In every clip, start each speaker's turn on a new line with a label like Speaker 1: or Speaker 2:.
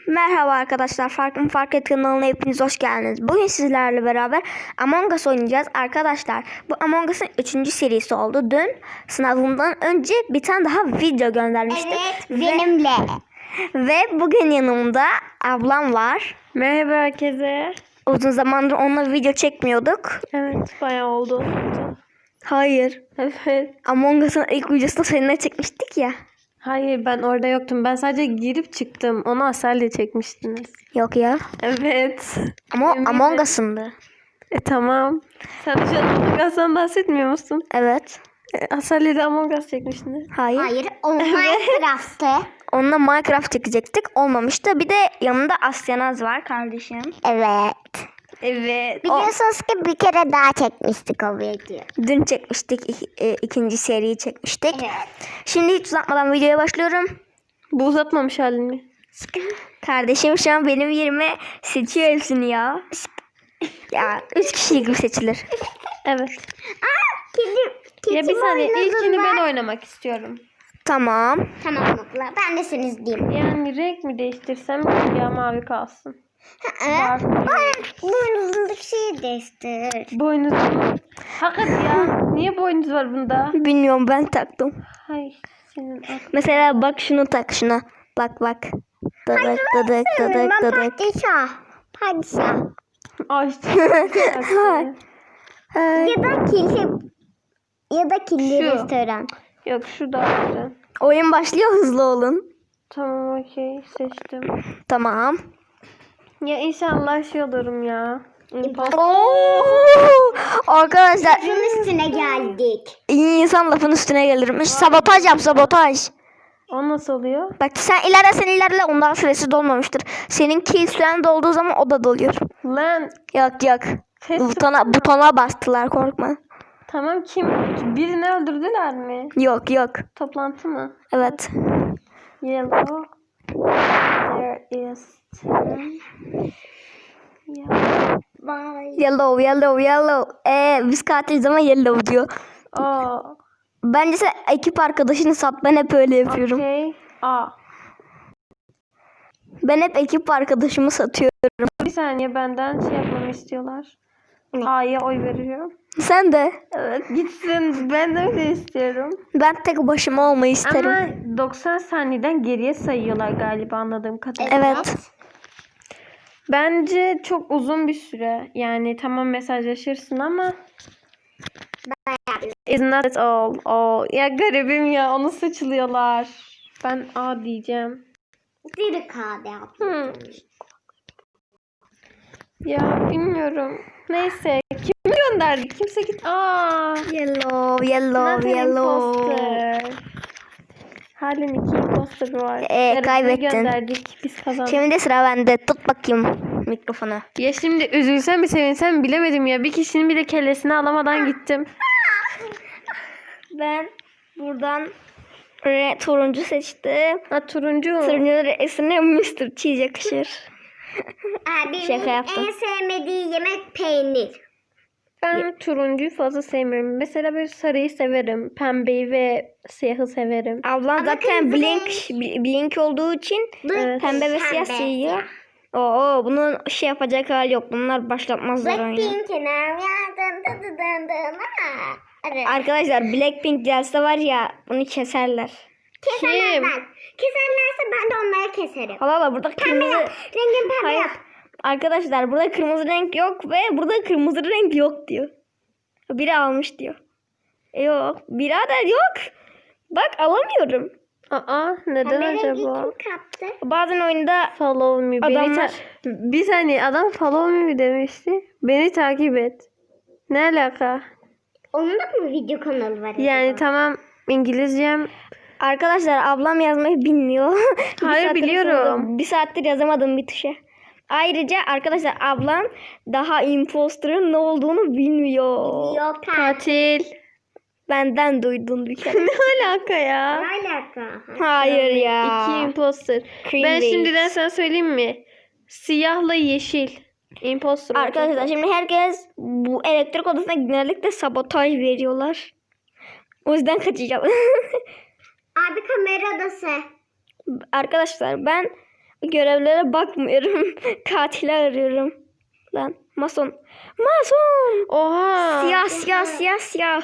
Speaker 1: Merhaba arkadaşlar, Fark Et kanalına hepiniz hoş geldiniz. Bugün sizlerle beraber Among Us oynayacağız. Arkadaşlar bu Among Us'ın 3. serisi oldu. Dün sınavımdan önce bir tane daha video göndermiştim.
Speaker 2: Evet, benimle.
Speaker 1: Ve bugün yanımda ablam var.
Speaker 3: Merhaba herkese.
Speaker 1: Uzun zamandır onunla video çekmiyorduk.
Speaker 3: Evet, bayağı oldu.
Speaker 1: Hayır.
Speaker 3: Evet.
Speaker 1: Among Us'ın ilk videosunu seninle çekmiştik ya.
Speaker 3: Hayır, ben orada yoktum. Ben sadece girip çıktım. Onu Asel'le çekmiştiniz.
Speaker 1: Yok ya.
Speaker 3: Evet.
Speaker 1: Ama
Speaker 3: Eminim.
Speaker 1: Among Us'ındı.
Speaker 3: Tamam. Sen şu an Among Us'tan bahsetmiyor musun?
Speaker 1: Evet.
Speaker 3: Asel'le de Among Us çekmiştiniz.
Speaker 1: Hayır.
Speaker 2: Hayır, o Minecraft'te.
Speaker 1: Onunla Minecraft çekecektik. Olmamıştı. Bir de yanında Asyanaz var kardeşim.
Speaker 2: Evet.
Speaker 1: Evet.
Speaker 2: Biliyorsunuz ki bir kere daha çekmiştik o videoyu.
Speaker 1: Dün çekmiştik. İkinci seriyi çekmiştik.
Speaker 2: Evet.
Speaker 1: Şimdi hiç uzatmadan videoya başlıyorum.
Speaker 3: Bu uzatmamış halini.
Speaker 1: Kardeşim şu an benim yerime seçiyor hepsini ya. Ya 3 kişi gibi seçilir.
Speaker 3: Evet.
Speaker 2: Kedi
Speaker 3: Ya bir saniye.
Speaker 2: oynadın
Speaker 3: İlkini
Speaker 2: mı?
Speaker 3: ben oynamak istiyorum.
Speaker 1: Tamam.
Speaker 2: Tamam abla, ben de seni izleyeyim.
Speaker 3: Yani renk mi değiştirsem ya mavi kalsın.
Speaker 2: Evet. Boynuzundaki şeyi değiştir.
Speaker 3: Boynuz mu? Hakikaten ya. Niye boynuz var bunda?
Speaker 1: Bilmiyorum, ben taktım.
Speaker 3: Hay senin aklın.
Speaker 1: Mesela bak şunu tak şuna. Bak bak. Dadık dadık dadık
Speaker 2: Ben
Speaker 1: dadık.
Speaker 2: padişah.
Speaker 3: Ay.
Speaker 2: Ya da kirli
Speaker 3: Şu.
Speaker 2: restoran.
Speaker 3: Yok şu daha güzel.
Speaker 1: Oyun başlıyor, hızlı olun.
Speaker 3: Tamam okey seçtim.
Speaker 1: Tamam.
Speaker 3: Ya inşallah şey olurum ya.
Speaker 1: Oo! Arkadaşlar
Speaker 2: Şunun üstüne geldik.
Speaker 1: iyi insan lafın üstüne gelirmiş. Sabotaj yap, sabotaj.
Speaker 3: O nasıl oluyor?
Speaker 1: Bak sen ilerle ondan süresi dolmamıştır. Senin kill süren dolduğu zaman o da doluyor.
Speaker 3: Lan.
Speaker 1: Yok.
Speaker 3: Ses
Speaker 1: Butona bastılar, korkma.
Speaker 3: Tamam kim? Birini öldürdüler mi?
Speaker 1: Yok.
Speaker 3: Toplantı mı?
Speaker 1: Evet.
Speaker 3: Yellow. There is 10. Yeah.
Speaker 1: Yellow. Biz katil zaman yellow diyor.
Speaker 3: Oh.
Speaker 1: Bence sen ekip arkadaşını sat. Ben hep öyle yapıyorum.
Speaker 3: Okay. A.
Speaker 1: Ben hep ekip arkadaşımı satıyorum.
Speaker 3: Bir saniye benden şey yapmamı istiyorlar. A'ya oy veriyorum.
Speaker 1: Sen de.
Speaker 3: Evet gitsin. Ben de öyle istiyorum.
Speaker 1: Ben tek başıma olmayı isterim.
Speaker 3: Ama 90 saniyeden geriye sayıyorlar galiba anladığım kadarıyla.
Speaker 1: Evet.
Speaker 3: Bence çok uzun bir süre. Yani tamam mesajlaşırsın ama it's not at all. Oh, ya garibim ya onu seçiliyorlar. Ben A diyeceğim.
Speaker 2: Bir kade abla.
Speaker 3: Ya bilmiyorum. Neyse kimi gönderdik? Kimse git. Aa.
Speaker 1: Yellow.
Speaker 3: Not an imposter. Halen 2 imposter var. Garibini
Speaker 1: Kaybettin.
Speaker 3: gönderdik. Biz kazandık.
Speaker 1: Şimdi de sıra bende. Tut bakayım mikrofonu.
Speaker 3: Ya şimdi üzülsem mi sevinsem mi bilemedim ya. Bir kişinin bile kellesini alamadan gittim.
Speaker 1: Ben buradan turuncu seçtim.
Speaker 3: Ha turuncu.
Speaker 1: Turuncu resmine Mr. Cheese yakışır.
Speaker 2: Abimin
Speaker 1: Şaka yaptım.
Speaker 2: en sevmediği yemek peynir.
Speaker 3: Ben turuncuyu fazla sevmiyorum. Mesela böyle sarıyı severim. Pembeyi ve siyahı severim.
Speaker 1: Ablam zaten blink olduğu için
Speaker 3: Evet.
Speaker 1: pembe ve siyah seviyor. Oo, bunun şey yapacak hali yok. Bunlar başlatmazlar oyunu.
Speaker 2: Blackpink'in
Speaker 1: Arkadaşlar Blackpink gelse var ya, bunu keserler.
Speaker 2: Keserler
Speaker 3: Kim?
Speaker 2: ben. Keserlerse ben de onları keserim.
Speaker 1: Valla burada kırmızı...
Speaker 2: Rengin pembe
Speaker 1: Hayır.
Speaker 2: yap.
Speaker 1: Arkadaşlar burada kırmızı renk yok ve burada kırmızı renk yok diyor. Biri almış diyor. Yok. Birader yok. Bak alamıyorum.
Speaker 3: Aa neden
Speaker 2: Pembe rengi
Speaker 3: acaba?
Speaker 2: kim kaptı?
Speaker 1: Bazen oyunda
Speaker 3: Follow me.
Speaker 1: Adamlar-
Speaker 3: Bir saniye adam follow me demişti. Beni takip et. Ne alaka?
Speaker 2: Onun da mı video kanalı var?
Speaker 3: Yani
Speaker 2: acaba?
Speaker 3: tamam İngilizcem.
Speaker 1: arkadaşlar ablam yazmayı bilmiyor. Bir
Speaker 3: Hayır,
Speaker 1: saattir
Speaker 3: biliyorum.
Speaker 1: yazamadım. Bir saattir yazamadım bir tuşa. Ayrıca arkadaşlar ablam daha imposter'ın ne olduğunu bilmiyor.
Speaker 2: Yok ha.
Speaker 3: Tatil.
Speaker 1: Benden duydun bir kere.
Speaker 3: Ne alaka ya?
Speaker 2: Ne alaka?
Speaker 1: Hayır ya.
Speaker 3: 2 imposter.
Speaker 1: Cream
Speaker 3: Ben
Speaker 1: base.
Speaker 3: şimdiden sana söyleyeyim mi? Siyahla yeşil. Imposter.
Speaker 1: Arkadaşlar şimdi herkes bu elektrik odasına genellikle sabotaj veriyorlar. O yüzden kaçacağım.
Speaker 2: Abi kamera odası.
Speaker 1: Arkadaşlar ben Görevlere bakmıyorum. Katili arıyorum. Lan mason. Mason.
Speaker 3: Oha.
Speaker 1: Siyah siyah siyah siyah.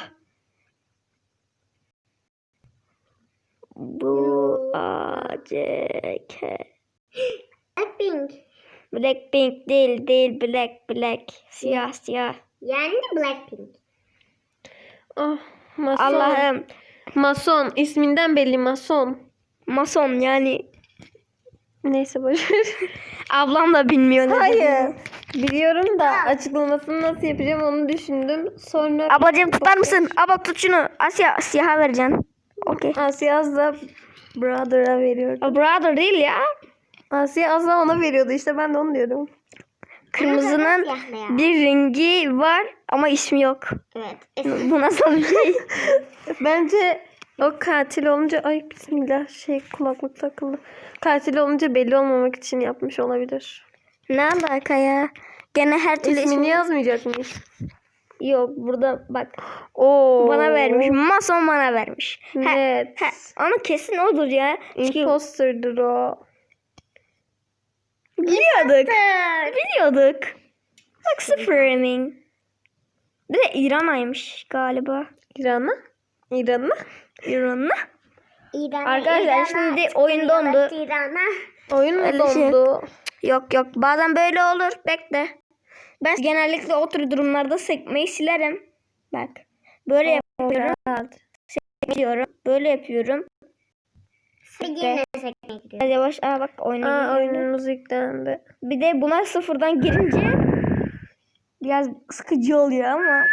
Speaker 1: Bu A C K.
Speaker 2: Blackpink.
Speaker 1: Blackpink değil black. Siyah siyah.
Speaker 2: Yani de Blackpink.
Speaker 3: Oh, mason.
Speaker 1: Allah'ım.
Speaker 3: Mason. İsminden belli mason.
Speaker 1: Mason yani.
Speaker 3: Neyse boşver.
Speaker 1: Ablam da bilmiyor ne dediğini.
Speaker 3: Hayır. Biliyorum da açıklamasını nasıl yapacağım onu düşündüm. Sonra
Speaker 1: Ablacığım tutar mısın? Abla tut şunu. Asya siyaha vereceksin. Okey.
Speaker 3: Asya az da brother'a veriyordu.
Speaker 1: Brother değil ya.
Speaker 3: Asya az da ona veriyordu işte ben de onu diyorum.
Speaker 1: Kırmızının
Speaker 2: Siyahla ya.
Speaker 1: bir rengi var ama ismi yok.
Speaker 2: Evet.
Speaker 1: Bu nasıl bir şey?
Speaker 3: Bence o katil olunca ay bismillah kulaklık takıldı. Katil olunca belli olmamak için yapmış olabilir.
Speaker 1: Ne alaka ya? Gene her türlü
Speaker 3: İsmini yazmayacak mıyız?
Speaker 1: yok. Burada bak.
Speaker 3: Oo.
Speaker 1: Bana vermiş. Mason bana vermiş.
Speaker 3: Net.
Speaker 1: Ama kesin odur ya. Çünkü
Speaker 3: Imposter'dır o.
Speaker 1: biliyorduk. Bak sıfır emin. Bir de İran'aymış galiba.
Speaker 3: İran'a? İran'a?
Speaker 1: İran'la.
Speaker 2: İran'a,
Speaker 1: Arkadaşlar şimdi oyun dondu.
Speaker 2: İran'a.
Speaker 3: Oyun mu
Speaker 1: Öyle şey.
Speaker 3: dondu?
Speaker 1: Yok bazen böyle olur. Bekle. Ben genellikle o tür durumlarda sekmeyi silerim. Bak. Böyle yapıyorum. Sekmiyorum. Böyle yapıyorum.
Speaker 2: Bir yine sekmeye gidiyor.
Speaker 1: Hadi yavaş. Bak oyuna
Speaker 3: Aa
Speaker 1: gidiyorum.
Speaker 3: oyunumuz yüklendi.
Speaker 1: Bir de buna sıfırdan girince biraz sıkıcı oluyor ama.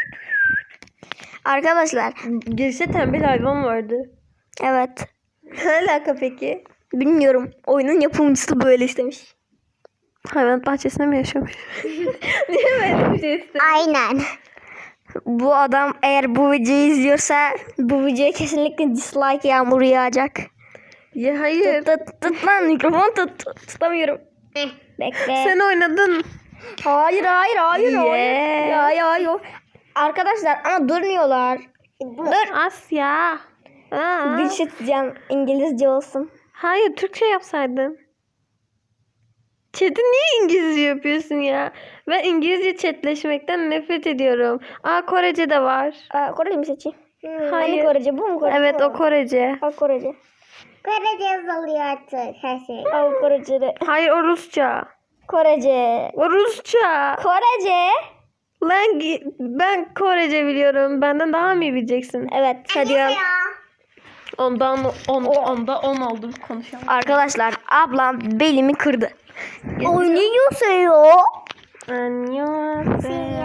Speaker 1: Arkadaşlar.
Speaker 3: Girişte tembel hayvan vardı.
Speaker 1: Evet.
Speaker 3: Ne alaka peki?
Speaker 1: Bilmiyorum. Oyunun yapımcısı böyle istemiş.
Speaker 3: Hayvanat bahçesinde mi yaşamış? Niye böyle bir şey istedi?
Speaker 2: Aynen.
Speaker 1: Bu adam eğer bu videoyu izliyorsa bu videoya kesinlikle dislike yağmuru yağacak.
Speaker 3: Ya hayır.
Speaker 1: Tut lan mikrofon tut. Tutamıyorum. Bekle.
Speaker 3: Sen oynadın.
Speaker 1: Hayır.
Speaker 3: Yeah.
Speaker 1: Ya. Arkadaşlar ama durmuyorlar. Dur.
Speaker 3: Asya. Aa.
Speaker 1: Bir şey diyeceğim. İngilizce olsun.
Speaker 3: Hayır Türkçe yapsaydın. Chat'i niye İngilizce yapıyorsun ya? Ben İngilizce chatleşmekten nefret ediyorum. Aa Korece de var.
Speaker 1: Korece mi seçeyim? Hani
Speaker 3: Hayır.
Speaker 1: Korece bu mu Korece?
Speaker 3: Evet
Speaker 1: bu
Speaker 3: o
Speaker 1: mu?
Speaker 3: Korece.
Speaker 1: Korece.
Speaker 2: Korece yazılıyor artık her şey.
Speaker 1: Korece de.
Speaker 3: Hayır o Rusça.
Speaker 1: Korece.
Speaker 3: O Rusça.
Speaker 1: Korece.
Speaker 3: Lan ben Korece biliyorum. Benden daha mı iyi bileceksin?
Speaker 1: Evet hadi ya.
Speaker 3: Onda 10 oldu konuşalım.
Speaker 1: Arkadaşlar ablam belimi kırdı. Oynuyor.
Speaker 3: Annyeonghaseyo.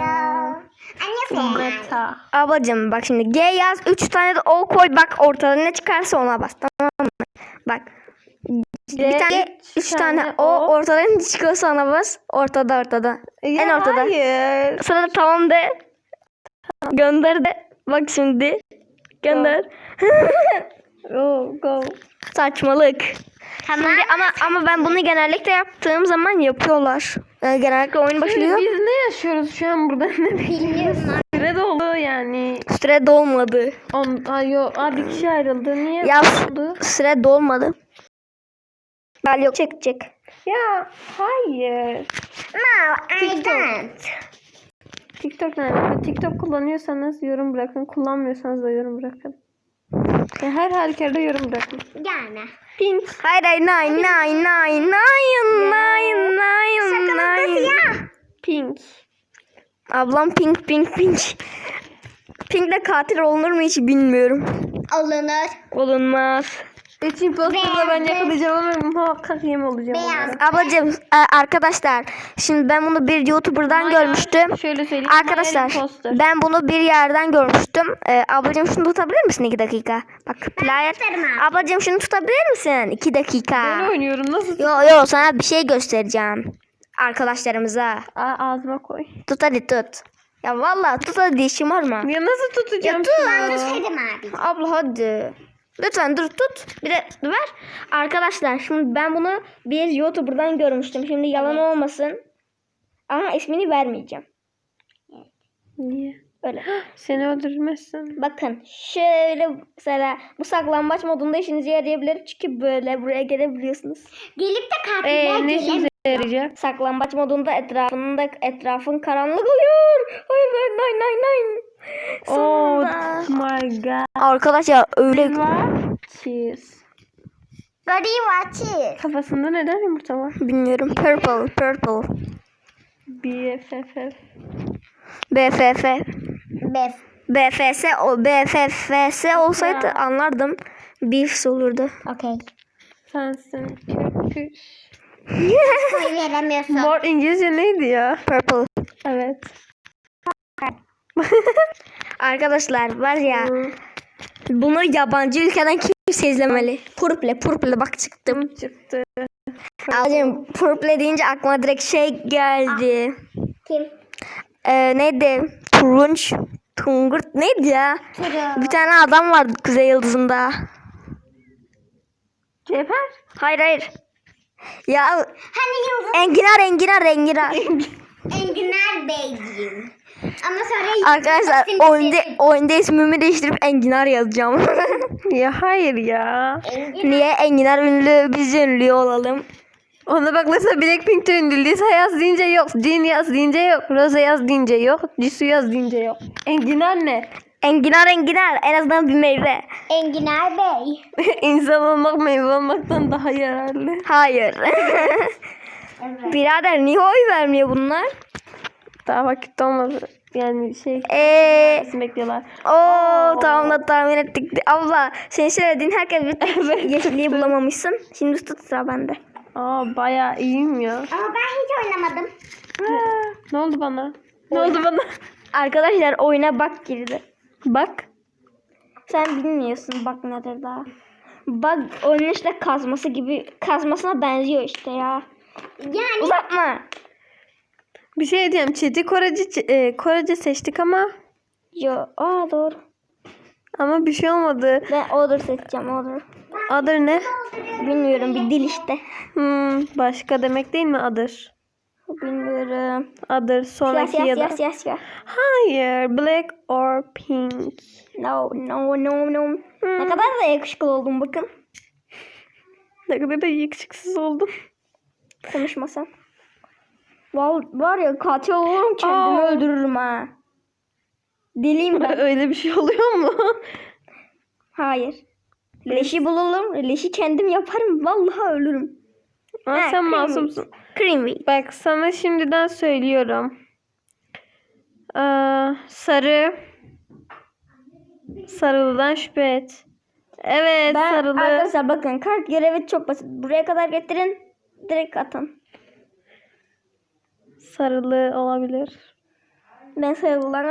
Speaker 3: Meta.
Speaker 1: Ablacım bak şimdi G yaz 3 tane de O koy bak ortada ne çıkarsa ona bas tamam mı? Bak bir tane 3 tane O ortada ne çıkıyorsa ona bas ortada. En ortada.
Speaker 3: Hayır.
Speaker 1: Sonra da tamam de. Gönder de. Bak şimdi. Gönder.
Speaker 3: Go.
Speaker 1: Saçmalık. Şimdi ama ben bunu genellikle yaptığım zaman yapıyorlar. Genellikle oyun başlıyor.
Speaker 3: Biz ne yaşıyoruz şu an burada?
Speaker 2: Bilmiyorum.
Speaker 3: Süre doldu yani.
Speaker 1: Süre dolmadı.
Speaker 3: Bir kişi ayrıldı. Niye
Speaker 1: Ya
Speaker 3: oldu?
Speaker 1: süre dolmadı. Ben yok çekecek.
Speaker 3: Ya hayır.
Speaker 2: No, I don't.
Speaker 3: TikTok nerede? TikTok kullanıyorsanız yorum bırakın. Kullanmıyorsanız da yorum bırakın. Her halükarda yorum bırakın.
Speaker 2: Yani.
Speaker 3: Pink.
Speaker 1: Hayır nine.
Speaker 3: Pink.
Speaker 1: Ablam pink. Pink'le katil olunur mu hiç bilmiyorum.
Speaker 2: Olunur.
Speaker 1: Olunmaz.
Speaker 3: Üç imposter'da ben yakalayacağım ama muhakkak yem olacağım.
Speaker 2: Beyaz.
Speaker 3: onlara.
Speaker 1: Ablacığım arkadaşlar şimdi ben bunu bir YouTuber'dan
Speaker 3: Maya,
Speaker 1: görmüştüm.
Speaker 3: Şöyle söyleyeyim.
Speaker 1: Arkadaşlar
Speaker 3: Maya imposter.
Speaker 1: ben bunu bir yerden görmüştüm. Ablacığım şunu tutabilir misin 2 dakika? Bak player.
Speaker 2: tutarım abi.
Speaker 1: Ablacığım şunu tutabilir misin 2 dakika?
Speaker 3: Ben oynuyorum. Nasıl?
Speaker 1: Yo sana bir şey göstereceğim. Arkadaşlarımıza.
Speaker 3: Ağzıma koy.
Speaker 1: Tut hadi tut. Ya vallahi tut hadi şımarma.
Speaker 3: Ya nasıl tutacağım?
Speaker 1: Ya tut.
Speaker 2: Ben tutarım abi.
Speaker 1: Abla hadi. Lütfen dur tut. Bir de ver. Arkadaşlar şimdi ben bunu bir YouTuber'dan görmüştüm. Şimdi yalan olmasın. Ama ismini vermeyeceğim.
Speaker 3: Niye?
Speaker 1: Öyle.
Speaker 3: Seni öldürmezsin.
Speaker 1: Bakın şöyle mesela bu saklambaç modunda işinize yarayabilir. Çünkü böyle buraya gelebiliyorsunuz.
Speaker 2: Gelip de katiller
Speaker 3: Ne işimize
Speaker 2: gelemiyor.
Speaker 3: yarayacak?
Speaker 1: Saklambaç modunda etrafın karanlık oluyor. Hayır hayır hayır hayır.
Speaker 3: Oh
Speaker 1: Sonunda.
Speaker 3: my god.
Speaker 1: Arkadaşlar öyle
Speaker 3: Cheese.
Speaker 2: What do you watch it?
Speaker 3: Kafasında neden yumurta var?
Speaker 1: bilmiyorum. Purple.
Speaker 3: BFF.
Speaker 1: BFF.
Speaker 2: Bef.
Speaker 1: BFS olsaydı anlardım. Beefs olurdu.
Speaker 2: Okay.
Speaker 3: Sensin köpüş.
Speaker 2: Koy veremiyorsun.
Speaker 3: Mor İngilizce neydi ya?
Speaker 1: Purple.
Speaker 3: Evet.
Speaker 1: Arkadaşlar var ya bunu yabancı ülkeden kimse izlemeli. Purple bak çıktım.
Speaker 3: Çıktı.
Speaker 1: Abicim purple deyince aklıma direkt şey geldi.
Speaker 2: Kim?
Speaker 1: Neydi? Tungurt neydi ya?
Speaker 2: Turu.
Speaker 1: Bir tane adam vardı Kuzey Yıldızı'nda.
Speaker 3: Cevher.
Speaker 1: Hayır. Ya
Speaker 2: Hani yıldız
Speaker 1: Enginar.
Speaker 2: Enginar Beyciğim. Ama sonra
Speaker 1: Arkadaşlar oyunda ismimi değiştirip Enginar yazacağım.
Speaker 3: Ya hayır ya.
Speaker 1: Niye Enginar ünlü biz ünlü olalım?
Speaker 3: Ona bak mesela Blackpink'te ünlü. Lisa yaz deyince yok. Jin yaz deyince yok. Rose yaz deyince yok. Jisoo yaz deyince yok. Enginar ne?
Speaker 1: Enginar en azından bir meyve.
Speaker 2: Enginar Bey.
Speaker 3: İnsan olmak meyve olmaktan daha yararlı.
Speaker 1: Hayır.
Speaker 2: Evet.
Speaker 1: Birader niye oy vermiyor bunlar?
Speaker 3: Daha vakit olmadı. Yani şey bekliyorlar.
Speaker 1: Tamam da tahmin ettik. Abla senin söylediğin herkes bir yeşilliği bulamamışsın. Şimdi tut sıra bende.
Speaker 3: Bayağı iyiyim ya.
Speaker 2: Ama ben hiç oynamadım.
Speaker 3: Ne oldu bana? Ne oldu bana?
Speaker 1: Arkadaşlar oyuna bak girdi.
Speaker 3: Bak.
Speaker 1: Sen bilmiyorsun bak nedir daha. Bak oyunun işte kazmasına benziyor işte ya.
Speaker 2: Yani
Speaker 1: Uzatma.
Speaker 3: Bir şey diyeyim. Çeti Korece seçtik ama
Speaker 1: Doğru.
Speaker 3: bir şey olmadı.
Speaker 1: Ben order seçeceğim order.
Speaker 3: Adır ne?
Speaker 1: Bilmiyorum bir dil işte.
Speaker 3: Başka demek değil mi adır?
Speaker 1: Bilmiyorum.
Speaker 3: Adır sonraki ya da.
Speaker 1: Siyah.
Speaker 3: Hayır. Black or pink.
Speaker 1: No. Ne kadar da yakışıklı oldum bakın.
Speaker 3: Ne kadar da yakışıksız oldum.
Speaker 1: Konuşmasan. Var ya katil olurum kendimi öldürürüm ha. Deliyim ben.
Speaker 3: Öyle bir şey oluyor mu?
Speaker 1: Hayır. Leşi bulalım. Leşi kendim yaparım. Vallahi ölürüm.
Speaker 3: Sen
Speaker 1: creamy.
Speaker 3: masumsun.
Speaker 1: Creamy.
Speaker 3: Bak sana şimdiden söylüyorum. Sarı. Sarılıdan şüphe et. Evet sarılı.
Speaker 1: Arkadaşlar bakın kart görevi çok basit. Buraya kadar getirin. Direkt atın.
Speaker 3: Sarılı olabilir.
Speaker 1: Ben sarılan.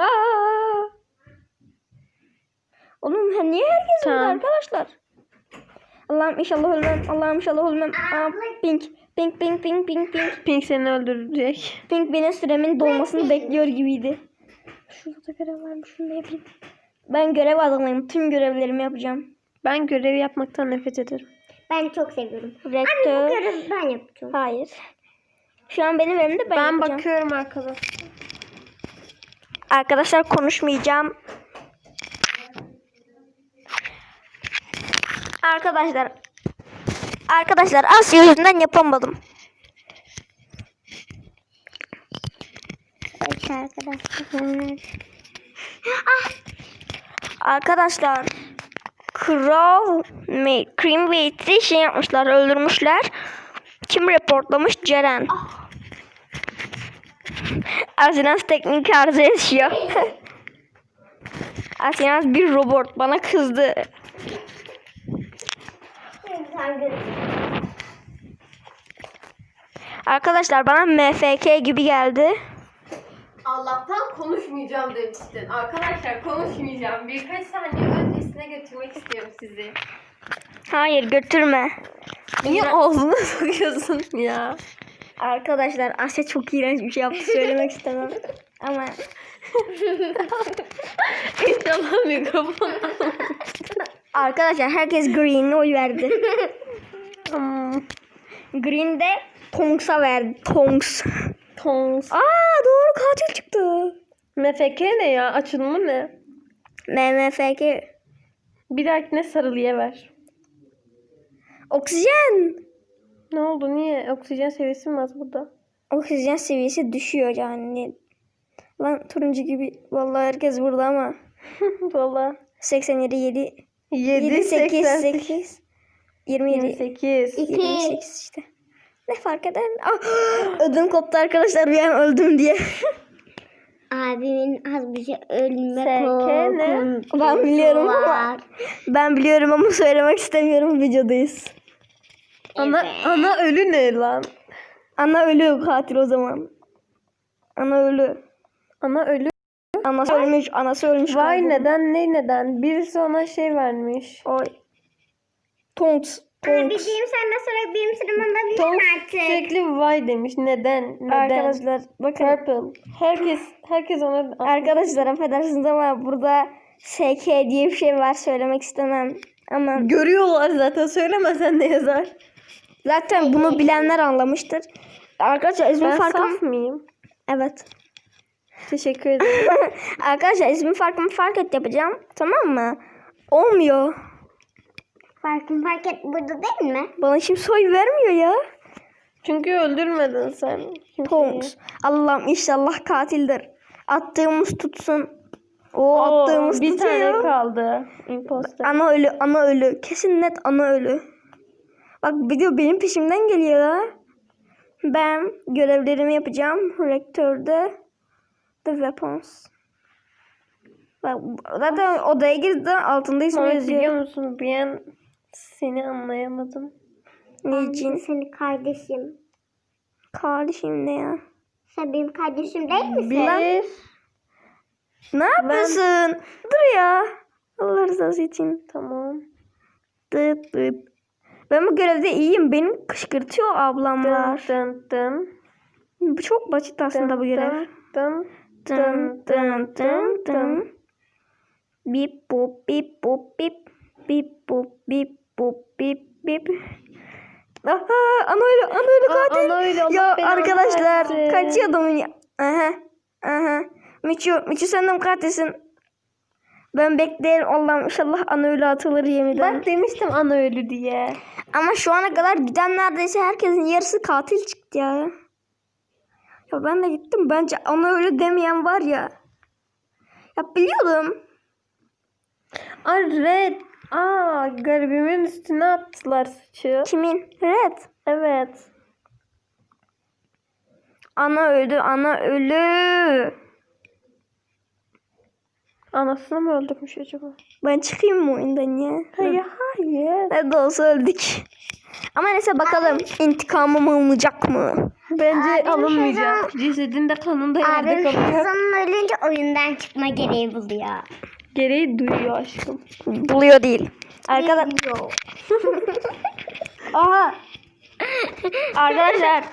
Speaker 1: Oğlum niye herkes burada
Speaker 3: Tamam.
Speaker 1: arkadaşlar? Allah'ım inşallah ölmem. Pink.
Speaker 3: Pink seni öldürecek.
Speaker 1: Pink benim süremin dolmasını bekliyor gibiydi. Şurada görev varmış. Şunu da yapayım. Ben görev adamıyım. Tüm görevlerimi yapacağım.
Speaker 3: Ben görev yapmaktan nefret ederim.
Speaker 2: ben çok seviyorum.
Speaker 1: Rektör.
Speaker 2: Görevi ben yapacağım.
Speaker 1: Hayır. Şu an benim elimde ben yapacağım.
Speaker 3: Bakıyorum arkadaşlar.
Speaker 1: Arkadaşlar konuşmayacağım. Arkadaşlar Asya yüzünden yapamadım.
Speaker 2: Evet arkadaşlar.
Speaker 1: Arkadaşlar Cream ve It'i şey yapmışlar, öldürmüşler. Kim reportlamış? Ceren. Asinaz teknik arıza yaşıyor. Asinaz bir robot bana kızdı. Arkadaşlar bana MFK gibi geldi.
Speaker 3: Allah'tan konuşmayacağım demiştin. Arkadaşlar konuşmayacağım. Birkaç saniye öncesine götürmek istiyorum sizi.
Speaker 1: Hayır götürme.
Speaker 3: Niye ağzına sokuyorsun ya?
Speaker 1: Arkadaşlar Asya çok iğrenç bir şey yaptı söylemek istemem. Ama
Speaker 3: İnşallah mikrofon.
Speaker 1: arkadaşlar herkes Green'e oy verdi. Green de Tonks'a verdi. Tonks.
Speaker 3: Tongs.
Speaker 1: Doğru katil çıktı.
Speaker 3: MFK ne ya? Açılımı ne?
Speaker 1: MMFG.
Speaker 3: Bir dahakine sarılıya ver.
Speaker 1: Oksijen.
Speaker 3: Ne oldu? Niye? Oksijen seviyesi mi az burada?
Speaker 1: Oksijen seviyesi düşüyor yani. Lan turuncu gibi. Vallahi herkes burada ama.
Speaker 3: Valla.
Speaker 1: 87 7
Speaker 3: 7,
Speaker 1: 8
Speaker 3: 8,
Speaker 1: 8 27
Speaker 3: 28.
Speaker 1: 28 işte. Ne fark eder? Ödüm koptu arkadaşlar bir an öldüm diye.
Speaker 2: Abimin az bir şey ölme
Speaker 3: SK ne?
Speaker 2: korkuntusu
Speaker 1: Ben biliyorum ama
Speaker 2: var.
Speaker 1: ben biliyorum ama söylemek istemiyorum, videodayız.
Speaker 3: Ana ölü ne lan?
Speaker 1: Ana ölü katil o zaman. Ana ölü.
Speaker 3: Ana ölü.
Speaker 1: Anası ölmüş.
Speaker 3: Vay
Speaker 1: galiba.
Speaker 3: neden? Birisi ona şey vermiş.
Speaker 1: Oy. Tonks.
Speaker 2: Bildiğim senden sonra benim sıram olabilir
Speaker 3: Tom
Speaker 2: artık.
Speaker 3: sürekli vay demiş. Neden?
Speaker 1: Arkadaşlar bakın.
Speaker 3: Purple. Herkes ona
Speaker 1: Arkadaşlar affedersiniz ama burada SK diye bir şey var, söylemek istemem. Ama
Speaker 3: görüyorlar zaten. Söylemesen ne yazar?
Speaker 1: zaten bunu bilenler anlamıştır. Arkadaşlar ismi
Speaker 3: Ben
Speaker 1: farkım.
Speaker 3: saf mıyım?
Speaker 1: Evet.
Speaker 3: Teşekkür ederim.
Speaker 1: Arkadaşlar ismi farkımı fark et yapacağım. Tamam mı? Olmuyor.
Speaker 2: Fark et burada değil mi?
Speaker 1: Bana kimse oy vermiyor ya.
Speaker 3: Çünkü öldürmedin sen. kimseyi.
Speaker 1: Tonks. Allah'ım inşallah katildir. Attığımız tutsun. O
Speaker 3: Oo,
Speaker 1: attığımız
Speaker 3: bir tane
Speaker 1: tutuyor.
Speaker 3: kaldı. Imposter.
Speaker 1: Ana ölü. Kesin net ana ölü. Bak video benim peşimden geliyor ya. Ben görevlerimi yapacağım. Rektörde The Weapons. Bak zaten odaya girdi, altında ismi
Speaker 3: Mehmet
Speaker 1: yazıyor.
Speaker 3: biliyor musun? Bir an seni anlayamadım.
Speaker 1: Ne
Speaker 2: Ben
Speaker 1: için?
Speaker 2: senin kardeşim.
Speaker 1: Kardeşim ne ya?
Speaker 2: Sen benim kardeşim değil misin?
Speaker 3: Bir.
Speaker 1: Ne yapıyorsun? Dur ya. Allah rızası için.
Speaker 3: Tamam.
Speaker 1: Dıt dıt. Ben bu görevde iyiyim. Beni kışkırtıyor ablamlar.
Speaker 3: Dın dın.
Speaker 1: Bu çok basit aslında bu görev.
Speaker 3: Dın
Speaker 1: Dın dın dın dın. Bip bop bip bop bip. Bip bop bip bop bip bip. Aha, ana öyle katil.
Speaker 3: ana öyle, Allah
Speaker 1: Ya
Speaker 3: belanı
Speaker 1: arkadaşlar
Speaker 3: versin.
Speaker 1: kaçıyordum ya. Aha. Miçu sen de mi katilsin? Ben beklerim Allah'ım inşallah ana öyle atılır yeniden.
Speaker 3: Bak demiştim ana ölü diye.
Speaker 1: Ama şu ana kadar giden neredeyse herkesin yarısı katil çıktı ya. Ya ben de gittim. Bence ana öyle demeyen var ya. Ya biliyordum.
Speaker 3: Red. Garibimin üstüne attılar suçu.
Speaker 1: Kimin? Red.
Speaker 3: Evet.
Speaker 1: Ana ölü.
Speaker 3: Anasını mı öldürmüş acaba?
Speaker 1: Ben çıkayım mı oyundan ya?
Speaker 3: Hayır.
Speaker 1: Ne de olsa öldük. Ama neyse bakalım intikamım alınacak mı?
Speaker 3: Bence alınmayacak. Cesedin de kanın da yerde
Speaker 2: Abim
Speaker 3: kalacak.
Speaker 2: kızının ölünce oyundan çıkma gereği buluyor.
Speaker 3: Gereği duyuyor aşkım.
Speaker 1: Buluyor değil. Arkadaşlar.
Speaker 2: Biliyor.
Speaker 1: Aha. Arkadaşlar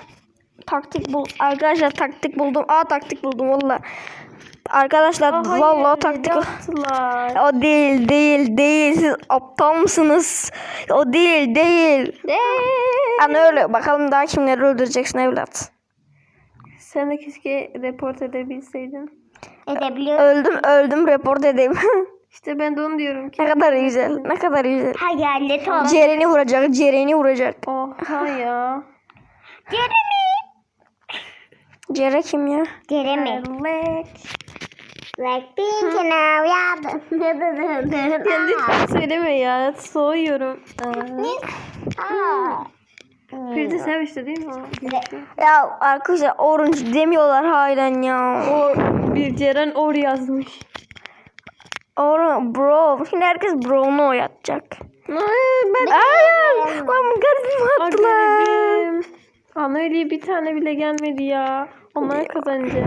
Speaker 1: taktik buldum. Taktik buldum valla. Arkadaşlar valla taktik.
Speaker 3: Attılar.
Speaker 1: O değil. Siz aptal mısınız? O değil. Ana öyle. Bakalım daha kimleri öldüreceksin evlat.
Speaker 3: Sen de keşke report edebilseydin.
Speaker 2: Edebiliyor.
Speaker 1: Öldüm report edeyim.
Speaker 3: İşte ben de onu diyorum ki.
Speaker 1: Ne kadar güzel.
Speaker 2: Hayalet ol.
Speaker 1: Ceren'i vuracak.
Speaker 3: Oha ya.
Speaker 1: Cere kim ya?
Speaker 2: Jeremy. Blackpink now ya.
Speaker 3: Ya lütfen söyleme ya. Soğuyorum. Bir de sen işte değil mi?
Speaker 1: Ya arkadaşlar orange demiyorlar halen ya.
Speaker 3: O bir Ceren or yazmış.
Speaker 1: Bro. Şimdi herkes bro'nu oynatacak.
Speaker 3: Ben
Speaker 1: Lan garibim attılar.
Speaker 3: garibim. Ana öyle bir tane bile gelmedi ya. Onlar kazanacak.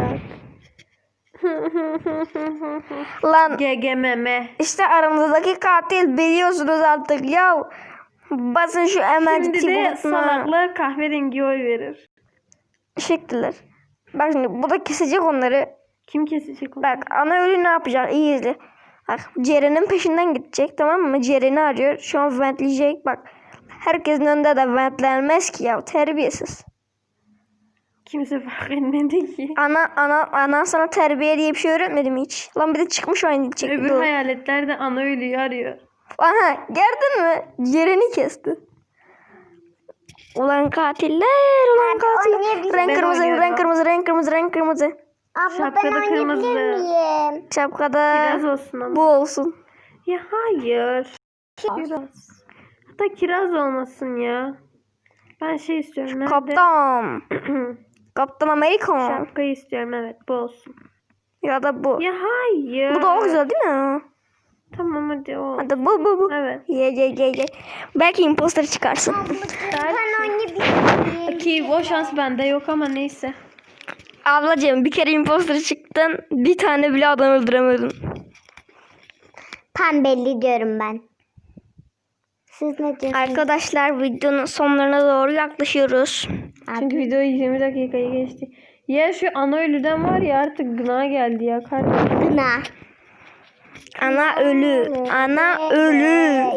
Speaker 1: Lan
Speaker 3: GGMM.
Speaker 1: işte aramızdaki katil biliyorsunuz artık ya. Basın şu emergency
Speaker 3: Şimdi de
Speaker 1: butonuna.
Speaker 3: salaklar kahverengi oy verir.
Speaker 1: Teşekkürler. Bak şimdi bu da kesecek onları.
Speaker 3: Kim kesecek onu?
Speaker 1: Bak ana ölü ne yapacak? İyi izle. Bak Ceren'in peşinden gidecek, tamam mı? Ceren'i arıyor. Şu an ventleyecek. Bak herkesin önünde de ventlenmez ki ya. Terbiyesiz.
Speaker 3: Kimse fark etmedi ki.
Speaker 1: Ana sana terbiye diye bir şey öğretmedi mi hiç? Lan bir de çıkmış oyun
Speaker 3: Öbür
Speaker 1: çekti.
Speaker 3: hayaletler de ana ölüyü arıyor.
Speaker 1: Aha gördün mü? Ciğerini kesti. Ulan katiller, ulan katiller. Renk
Speaker 3: Ben
Speaker 1: kırmızı,
Speaker 3: oynuyorum.
Speaker 1: renk kırmızı, renk kırmızı, renk kırmızı.
Speaker 2: Abla ben
Speaker 3: Şapkada
Speaker 2: oynayabilir
Speaker 3: kırmızı.
Speaker 2: miyim?
Speaker 1: Şapkada
Speaker 3: Kiraz olsun ama.
Speaker 1: bu olsun.
Speaker 3: Ya hayır. Kiraz. Hatta kiraz olmasın ya. Ben şey istiyorum. Nerede?
Speaker 1: Kaptan. Kaptan Amerika.
Speaker 3: Şapkayı istiyorum, evet bu olsun.
Speaker 1: Ya da bu.
Speaker 3: Ya hayır.
Speaker 1: Bu da o güzel değil mi?
Speaker 3: Tamam hadi o.
Speaker 1: Hadi bu.
Speaker 3: Evet.
Speaker 1: Ye. Belki imposter çıkarsın.
Speaker 2: Ben oynayabilir miyim?
Speaker 3: Ki o şans bende yok ama neyse.
Speaker 1: Ablacığım bir kere imposter çıktın. Bir tane bile adam öldüremedin.
Speaker 2: Pembeli diyorum ben. Siz ne diyorsunuz?
Speaker 1: Arkadaşlar videonun sonlarına doğru yaklaşıyoruz.
Speaker 3: Çünkü video 20 dakikayı geçti. Ya şu ana ölüden var ya artık gına geldi ya kardeşim.
Speaker 2: Gına.
Speaker 1: Ana ölü. Ana ölü.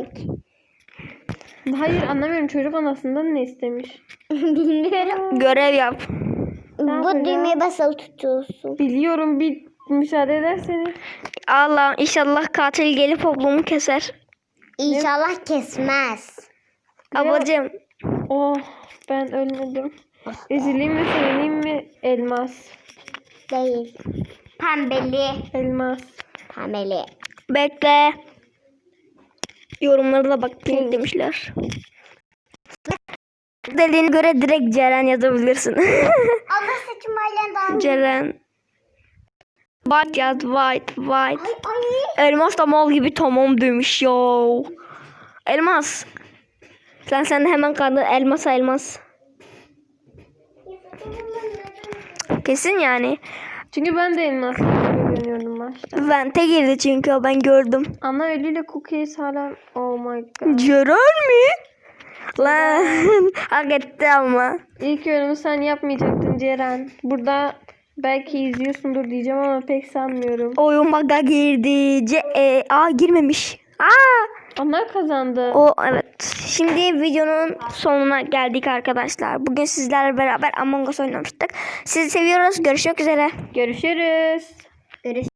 Speaker 3: Hayır anlamıyorum, çocuk anasından ne istemiş?
Speaker 2: Bilmiyorum.
Speaker 1: Görev yap.
Speaker 2: Bu düğmeye basılı tutuyorsun.
Speaker 3: Biliyorum, bir müsaade ederseniz.
Speaker 1: Allah inşallah katil gelip ablamı keser.
Speaker 2: İnşallah kesmez.
Speaker 1: Ablacığım
Speaker 3: Oh ben ölmedim. Üzüleyim mi sevineyim mi? Elmas.
Speaker 2: Değil. Pembeli.
Speaker 3: Elmas.
Speaker 2: Pembeli.
Speaker 1: bekle. Yorumlara da bak pink demişler. Dediğine göre direkt Ceren yazabilirsin.
Speaker 2: Abla saçım halen daha.
Speaker 1: Ceren. White yaz white.
Speaker 2: Ay.
Speaker 1: Elmas da mal gibi tamam demiş ya. Elmas. Sen de hemen kaldın elmas. Kesin yani.
Speaker 3: Çünkü ben de elmas görünüyordum başta.
Speaker 1: Vente girdi çünkü o, ben gördüm.
Speaker 3: Ana ölüyle cookies hala. Oh my god.
Speaker 1: Ceren mi? Lan hak etti ama.
Speaker 3: İlk yorumu sen yapmayacaktın Ceren. Burada belki izliyorsundur diyeceğim ama pek sanmıyorum.
Speaker 1: Oyun bug'a girdi. Girmemiş.
Speaker 3: Ana kazandı.
Speaker 1: O evet. Şimdi videonun sonuna geldik arkadaşlar. Bugün sizlerle beraber Among Us oynamıştık. Sizi seviyoruz. Görüşmek üzere.
Speaker 3: Görüşürüz.
Speaker 2: Görüşürüz.